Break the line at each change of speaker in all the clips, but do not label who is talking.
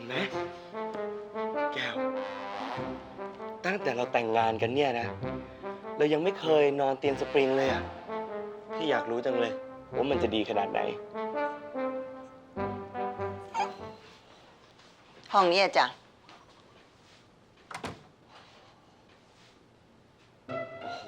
ไหมแก้วตั้งแต่เราแต่งงานกันเนี่ยนะเรายังไม่เคยนอนเตียงสปริงเลยอะพี่อยากรู้จังเลยว่ามันจะดีขนาดไหน
ห้องนี้จ้ะ
โอ้โห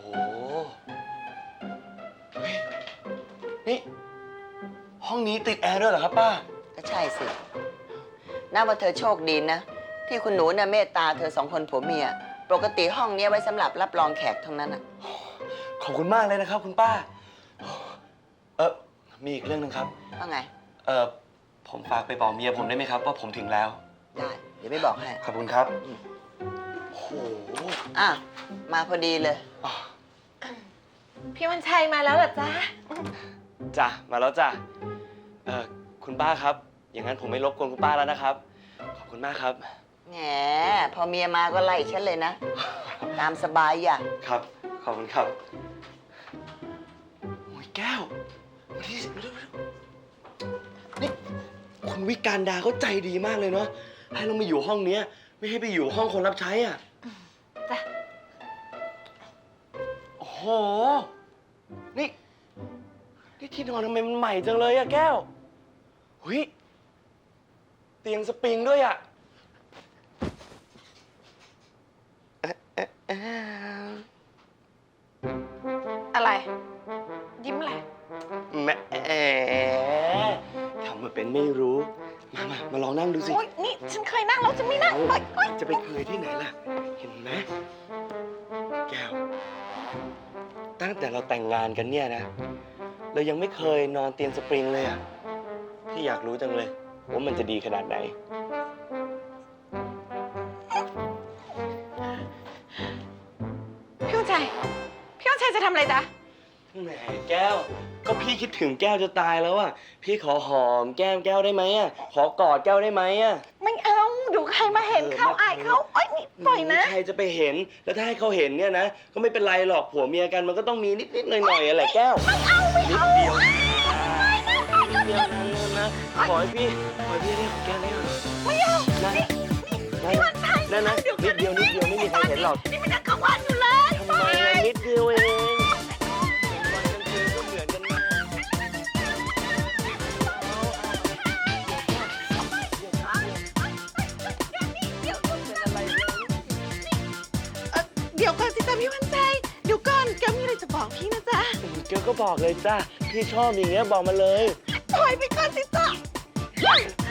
เฮ้ยนี่ห้องนี้ติดแอร์ด้วยเหรอครับป้า
ก็ใช่สินับว่าเธอโชคดีนะที่คุณหนูน่ะเมตตาเธอสองคนผัวเมียปกติห้องนี้ไว้สำหรับรับรองแขกเท่านั้นอ่ะ
ขอบคุณมากเลยนะครับคุณป้ามีอีกเรื่องนึงครับ
ว่าไง
ผมฝากไปบอกเมียผมได้ไหมครับว่าผมถึงแล้ว
ได้เดี๋ยวไม่บอกให้
ขอบคุณครับโอ้โห
มาพอดีเลย
พี่วันชัยมาแล้วเหรอจ๊ะ
จ้ะมาแล้วจ้ะคุณป้าครับอย่างนั้นผมไม่รบกวนคุณป้าแล้วนะครับขอบคุณมากครับ
แหมพอเมียมาก็ไล่ฉันเลยนะตามสบายอย่า
ครับขอบคุณครับโอ้ยแก้วมาที่นี่คุณวิการดาเขาใจดีมากเลยเนาะให้เรามาอยู่ห้องนี้ไม่ให้ไปอยู่ห้องคนรับใช้อ่ะ
จ้ะ
โอ้โหนี่ที่นอนทำไมมันใหม่จังเลยอะแก้วเฮ้ยเตียงสปริงด้วยอะ
อะไรยิ้มอะไร
แหมทำมาเป็นไม่รู้มาลองนั่งดูสิ
โอ๊ยนี่ฉันเคยนั่งแล้วจะไม่นั่ง
จะไปเคยที่ไหนล่ะเห็นไหมแก้วตั้งแต่เราแต่งงานกันเนี่ยนะเรายังไม่เคยนอนเตียงสปริงเลยอะพี่อยากรู้จังเลยว่ามันจะดีขนาดไหน
พี่วันชัยจะทำอะไรจ๊ะ
แหมแก้วก็พี่คิดถึงแก้วจะตายแล้วอะพี่ขอหอมแก้มแก้วได้ไหมอะขอกอดแก้วได้ไหมอะ
ไม่เอาเดี๋ยวใครมาเห็นเข้าอายเขาเอ้ยนี่ปล่อยนะ
ใครจะไปเห็นแล้วถ้าให้เขาเห็นเนี่ยนะก็ไม่เป็นไรหรอกผัวเมียกันมันก็ต้องมีนิดหน่อยอะไรแก้ว
ไม่เอา
นิดเดียวนิดเดียวนะขอให้พี่ได้ของแก้วได้หรอ
ไม่เอา
นะ
พี่วันชัย
นะนิดเดียวไม่มีใครเห็นหรอก
นี่มันยังกลางวันอยู่เลย
ทำไมนิดเดียวเอง
เดี๋ยวก่อนสิจ๊ะพี่วันชัยเดี๋ยวก่อนแกมีอะไรจะบอกพี่นะจ๊ะ
แกก็บอกเลยจ้ะพี่ชอบอย่างเงี้ยบอกมาเลย
ปล่อยไปก่อนสิจ๊ะ